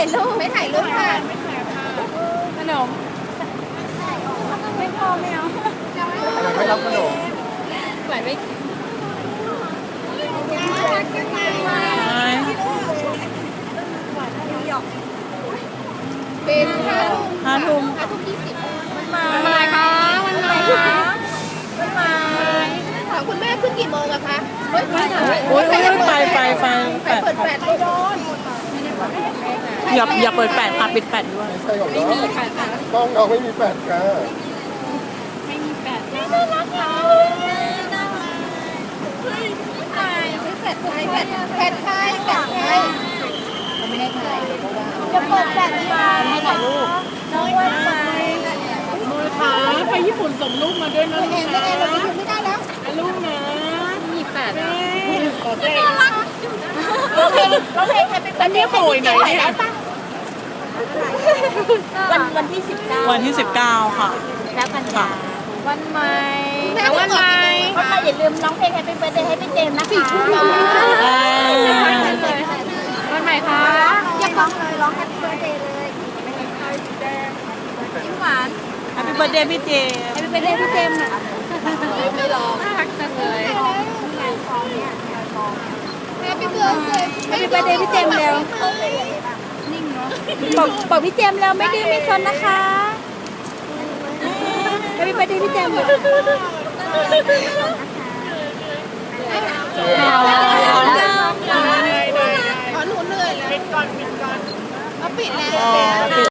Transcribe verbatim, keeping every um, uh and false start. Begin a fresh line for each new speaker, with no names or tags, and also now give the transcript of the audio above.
ายรูปไม่ถ่ายรูปค่ะขนมไม่พอไม่เอา
ไม่รับขนม
ไหวไม่เป็นห้าทุ่มห้าทุ่มห้าทุ่มยี่สิบมันมาคะมันมาคะมันมาถามคุณแม่ขึ้นกี่โมงอะคะโอ้ยโอ้ยไฟไฟไฟไฟเปิดแปดโดน
อย่าอย่าเปิดแปดค่ะปิดแปดด้วย
ไม่มีค่ะต้องเราไม่มีแปดค่ะ
ไม่มีแปดน่ารักจังไข่แปดไข่แปดแปดไข่แปดไข่เขาไม่ได้ถ่ายจะเปิดแปดมาให้ถ่ายรูปน้องวันไป
มือขาไปญี่ปุ่นส่งลูกมาด้วยนะลูกนะ
เราไปไม่ได้แล้ว
ลูกนะ
มีแปด
น่ารัก
เราเพลงเราเพลงใครเป็นวันนี้โผล่ไหนเนี่ยวันวันที่สิบเก้า
วันที่สิบเก้าค่ะ
แล้วกันยาวันใหม่วันใหม่วันใหม่อย่าลืมร้องเพลงให้เป็นเบอร์เดย์ให้เป็นเจมส์นะคะวันใหม่ค่ะอยากร้องเลยร้องแฮปปี้เบอร์เดย์เลยยิ้มหวาน
แฮปปี้เบิร์ดเดย์พี่เจม
แฮปปี้เบิร์ดเดย์พี่เจมส์นะไม่ร้องน่ารักจังเลยแฮปปี้เบิร์ดเดย์แฮปปี้เบิร์ดเดย์พี่เจมส์เร็วนิ่งเนาะบอกบอกพี่เจมส์แล้วไม่ดื้อไม่ซนนะคะแฮปปี้เบิร์ดเดย์พี่เจมส์ขอหนูเหนื่อยแล้วปิดก่อนปิดก่อนเอาปิดแล้ว